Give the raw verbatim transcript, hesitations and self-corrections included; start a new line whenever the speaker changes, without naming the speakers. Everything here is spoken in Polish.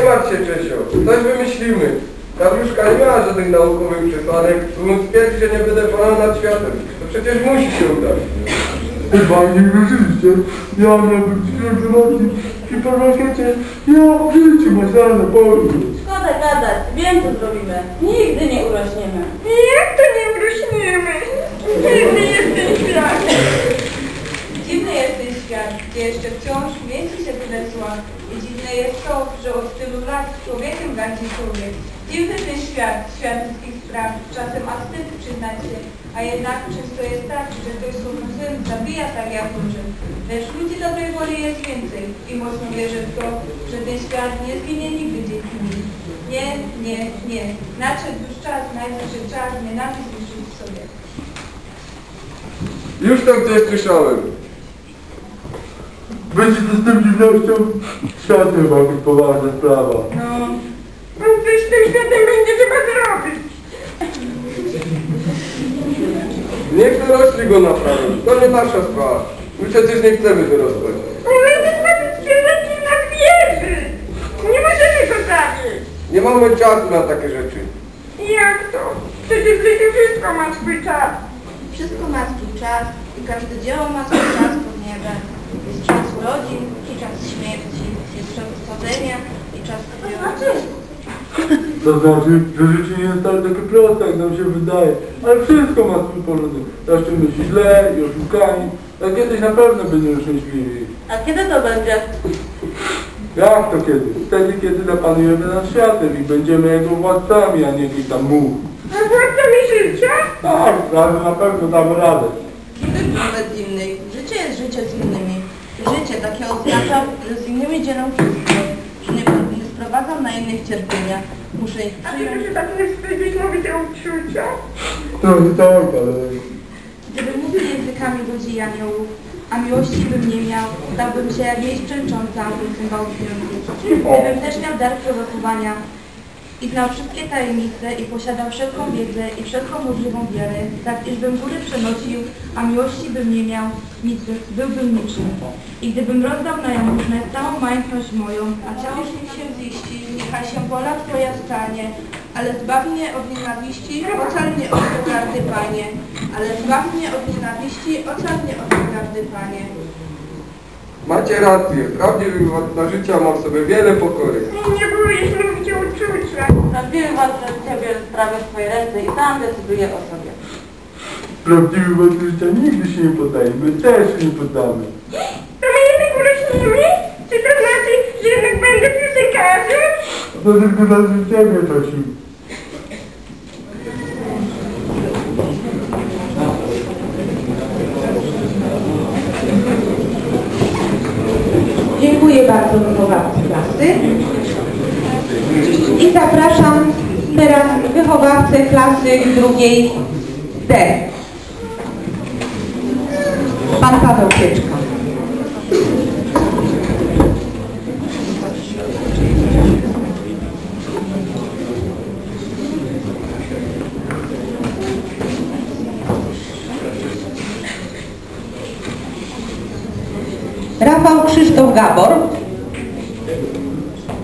martw się, Czesio. Coś wymyślimy. Ta wróżka nie miała żadnych naukowych przesłanek, móc twierdzi, że nie będę panem nad światem. To przecież musi się udać.
Chyba nie wierzycie. Ja miałbym świętości i po rakiecie ja w życiu maślane powiem.
Szkoda gadać, wiem co zrobimy. Nigdy nie urośniemy.
Jak to nie urośniemy? Dziwny jest ten świat.
Dziwny jest ten świat, gdzie jeszcze wciąż mieści się tyle zła. I dziwne jest to, że od tylu lat człowiekiem gardzi człowiek. Dziwny ten świat, świat wszystkich spraw, czasem aż wstyd przyznać się, a jednak często jest tak, że ktoś słowny syn zabija tak jak duży. Lecz ludzi dobrej woli jest więcej i mocno wierzę w to, że ten świat nie zginie nigdy dzięki nim. Nie, nie, nie. Nadszedł już czas, najwyższy czas nienawiść zniszczyć w sobie.
Już tam coś słyszałem.
Będzie to z tym dziwnością? Światem ma być poważna sprawa.
No, no coś z tym światem będzie trzeba zrobić.
Niech dorośli go naprawią. To nie nasza sprawa. My przecież nie chcemy wyrosnąć.
Nie będzie zrobić księżycy na wieży. Nie możemy go zabić.
Nie mamy czasu na takie rzeczy.
Jak to? Przecież w życiu wszystko ma swój czas.
Wszystko ma swój czas i każde dzieło ma swój czas pod niebem. Jest czas urodzin i czas śmierci, jest czas wchodzenia i czas odbioru.
To znaczy, że życie nie jest tak takie proste, jak nam się wydaje. Ale wszystko ma swój porządek. Zaszczymy się źle i oszukani. A kiedyś na pewno będziemy szczęśliwi.
A kiedy to będzie?
Jak to kiedy? Wtedy, kiedy zapanujemy nad światem i będziemy jego władcami, a nie jakiś tam much.
A władcami życia?
Tak, razem na pewno damy radę.
Wobec innych. Życie jest życie z innymi. Życie takie oznacza, że z innymi dzielam wszystko, że nie, nie sprowadzam na innych cierpienia. Muszę ich
A ty
przyjąć.
się tak nie wstydzisz mówić o uczuciach?
To nie tak, ale...
Gdybym mówił językami ludzi i aniołów, a miłości bym nie miał, dałbym się jak jej szczęcząca, bym cymbał dźwięku. Gdybym też miał dar prorokowania i znał wszystkie tajemnice i posiadał wszelką wiedzę i wszelką możliwą wiarę, tak iżbym góry przenosił, a miłości bym nie miał, nic by, byłbym niczym. I gdybym rozdał na jałmużnę całą majątność moją, a ciało mi się ziści, niechaj się wola Twoja stanie, ale zbaw mnie od nienawiści, ocal mnie od pogardy, Panie. Ale zbaw mnie od nienawiści, ocal mnie od pogardy, Panie.
Macie rację. Prawdziwy władca życia ma w sobie wiele pokory.
Nie boisz mówić o uczuciach.
Prawdziwy władca życia bierze sprawę w swoje ręce i sam decyduje o sobie.
Prawdziwy władca życia nigdy się nie poddaje. My też się nie poddamy.
To my jednak urośnimy? Czy to znaczy, że jednak będę fizykarzem?
To tylko dla ciebie, Tosiu.
Dziękuję bardzo wychowawcy klasy. I zapraszam teraz wychowawcę klasy drugiej D. Pan Paweł Pieczka. Rafał Krzysztof Gabor.